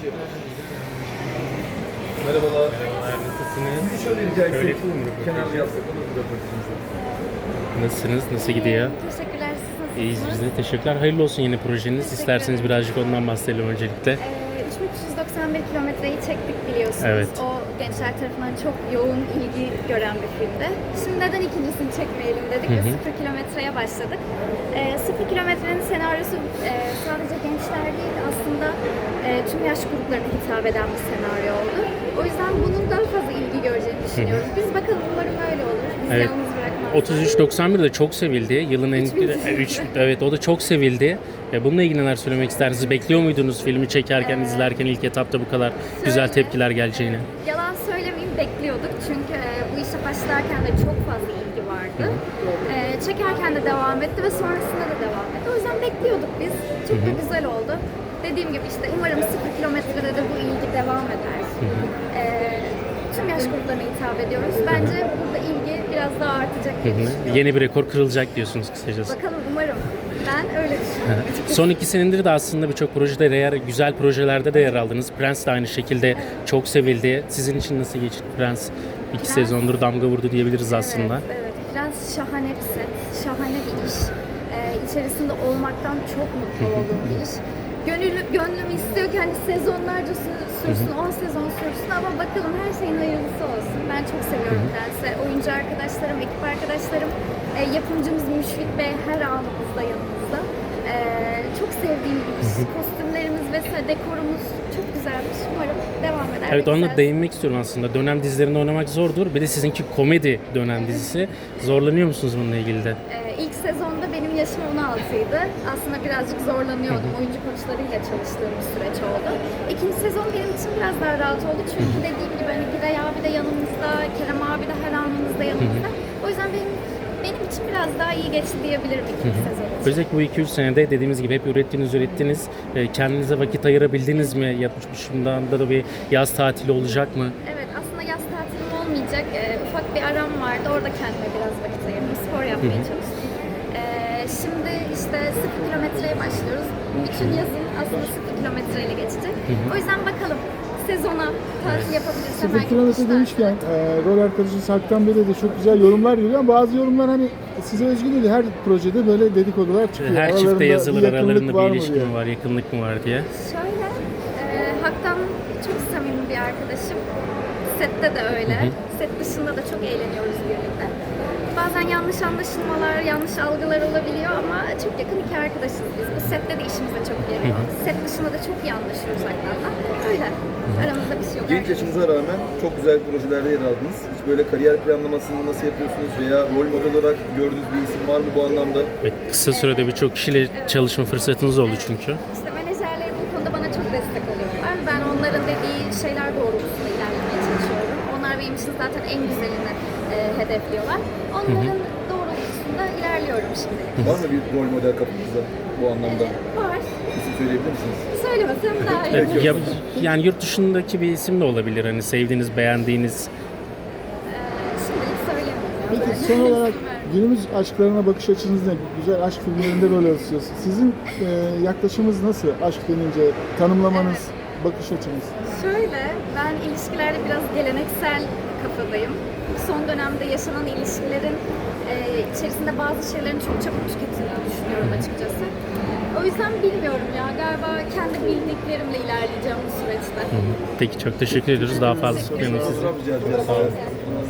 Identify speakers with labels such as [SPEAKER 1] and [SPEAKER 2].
[SPEAKER 1] Merhabalar.
[SPEAKER 2] Merhabalar, nasılsınız?
[SPEAKER 1] Şöyle rica
[SPEAKER 2] Şöyle
[SPEAKER 1] etsek,
[SPEAKER 2] yapalım mı röportajı?
[SPEAKER 1] kenarda yapsak olur mu röportajımızı?
[SPEAKER 2] Nasılsınız? Nasıl gidiyor?
[SPEAKER 3] Teşekkürler. Siz nasılsınız?
[SPEAKER 2] İyiyiz biz de. Teşekkürler. Hayırlı olsun yeni projeniz. İsterseniz birazcık ondan bahsedelim öncelikle.
[SPEAKER 3] 3391 kilometreyi çektik biliyorsunuz.
[SPEAKER 2] Evet.
[SPEAKER 3] O gençler tarafından çok yoğun ilgi gören bir filmdi. Şimdi neden ikincisini çekmeyelim dedik ve 0 kilometreye başladık. 0 kilometrenin senaryosu sadece gençler değil aslında tüm yaş gruplarına hitap eden bir senaryo oldu. O yüzden bunun daha fazla ilgi göreceğini düşünüyoruz. Biz bakalım umarım öyle olur. Biz
[SPEAKER 2] Evet.
[SPEAKER 3] yalnız bırakmazlar.
[SPEAKER 2] 3391 de çok sevildi. Yılın en... Evet, o da çok sevildi. Bununla ilgili neler söylemek istersiniz? Bekliyor muydunuz filmi çekerken, izlerken ilk etapta bu kadar güzel tepkiler geleceğini?
[SPEAKER 3] Yalan söylemeyeyim bekliyorduk çünkü bu işe başlarken de çok fazla ilgi vardı. Çekerken de devam etti ve sonrasında da devam etti. O yüzden bekliyorduk biz. Çok da güzel oldu. Dediğim gibi işte umarım 0 kilometrede de bu ilgi devam eder. Tüm yaş gruplarına hitap ediyoruz. Bence burada ilgi biraz daha artacak diye düşünüyorum.
[SPEAKER 2] Yeni bir rekor kırılacak diyorsunuz kısacası.
[SPEAKER 3] Bakalım umarım. Ben öyle düşünüyorum.
[SPEAKER 2] Son 2 senedir de aslında birçok projede, güzel projelerde de yer aldınız. Prens de aynı şekilde çok sevildi. Sizin için nasıl geçti Prens? 2 sezondur damga vurdu diyebiliriz aslında.
[SPEAKER 3] Evet. Biraz şahane bir set, şahane bir iş. İçerisinde olmaktan çok mutlu olduğum bir iş. Gönlüm istiyor ki hani sezonlarca sürsün, 10 sezon sürsün ama bakalım her şeyin hayırlısı olsun. Ben çok seviyorum Prens'i. Oyuncu arkadaşlarım, ekip arkadaşlarım, yapımcımız Müşfik Bey her anımızda yanımızda. Çok sevdiğim bir iş. Kostümlerimiz vesaire, dekorumuz çok güzelmiş. Umarım devam eder.
[SPEAKER 2] Evet,
[SPEAKER 3] ve
[SPEAKER 2] onunla
[SPEAKER 3] güzel.
[SPEAKER 2] değinmek istiyorum aslında. Dönem dizilerinde oynamak zordur. Bir de sizinki komedi dönem dizisi. Zorlanıyor musunuz bununla ilgili de?
[SPEAKER 3] İlk sezonda benim yaşım 16'ydı. Aslında birazcık zorlanıyordum. Oyuncu koçlarıyla çalıştığım bir süreç oldu. İkinci sezon benim için biraz daha rahat oldu. Çünkü dediğim gibi hani Giray abi de yanımızda, Kerem abi de her anımızda yanımızda. O yüzden benim için biraz daha iyi geçti diyebilirim ikinci sezon için.
[SPEAKER 2] Özellikle bu 2-3 senede dediğimiz gibi hep ürettiniz. Kendinize vakit ayırabildiniz mi? Yapmışımdan da bir yaz tatili olacak mı?
[SPEAKER 3] Evet, aslında yaz tatilim olmayacak. Ufak bir aram vardı. Orada kendime biraz vakit ayırdım. Spor yapmaya çalıştım. Şimdi işte 0 kilometreye başlıyoruz. Bütün yazın aslında 0 kilometreyle geçecek. O yüzden bakalım sezona tatil yapabilirsem
[SPEAKER 4] 0 kilometre demişken rol arkadaşı Serkan Bey'de de çok güzel yorumlar geliyor ama bazı yorumlar hani size özgü değil, her projede böyle dedikodular çıkıyor.
[SPEAKER 2] Her
[SPEAKER 4] Aralarında
[SPEAKER 2] çifte yazılır,
[SPEAKER 4] yakınlık
[SPEAKER 2] aralarında
[SPEAKER 4] var
[SPEAKER 2] bir
[SPEAKER 4] mı
[SPEAKER 2] ilişki
[SPEAKER 4] diye.
[SPEAKER 2] mi var, yakınlık mı var diye.
[SPEAKER 3] Şöyle, Hak'tan çok samimi bir arkadaşım. Sette de öyle. Set dışında da çok eğleniyoruz birlikte. Bazen yanlış anlaşılmalar, yanlış algılar olabiliyor ama çok yakın iki arkadaşız biz. Bu sette de işimize çok geliyor. Set dışında da çok iyi anlaşıyoruz Hak'tan'la. Öyle. Aramızda bir şey yok.
[SPEAKER 1] Genç yaşınıza rağmen çok güzel projelerde yer aldınız. Hiç böyle kariyer planlamasını nasıl yapıyorsunuz veya rol model olarak gördüğünüz bir isim var mı bu anlamda?
[SPEAKER 2] Ve kısa sürede birçok kişiyle çalışma fırsatınız oldu çünkü.
[SPEAKER 3] İşte menajerlerim bu konuda bana çok destek oluyorlar. Ben onların dediği şeyler doğrultusunda ilerlemeye çalışıyorum. Onlar benim için zaten en güzelini hedefliyorlar. Onların doğrultusunda ilerliyorum şimdi.
[SPEAKER 1] Var mı bir rol model kapınızda bu anlamda?
[SPEAKER 3] Var.
[SPEAKER 1] İsim söyleyebilir misiniz?
[SPEAKER 3] Söylemesem daha iyi.
[SPEAKER 2] Evet, yani yurt dışındaki bir isim de olabilir. Hani sevdiğiniz, beğendiğiniz.
[SPEAKER 3] Şimdilik söylemiyorum.
[SPEAKER 4] Peki son olarak günümüz aşklarına bakış açınız ne? Güzel aşk filmlerinde rol alıyorsunuz. Sizin yaklaşımınız nasıl? Aşk denince tanımlamanız, bakış açınız.
[SPEAKER 3] Şöyle, ben ilişkilerde biraz geleneksel kafadayım. Son dönemde yaşanan ilişkilerin içerisinde bazı şeylerin çok çabuk tüketildiğini düşünüyorum açıkçası. O yüzden bilmiyorum ya, galiba kendi bildiklerimle ilerleyeceğim bu süreçte.
[SPEAKER 2] Peki çok teşekkür ediyoruz. Daha fazla tutmayalım sizi.
[SPEAKER 1] Fotoğraf rica edeceğiz.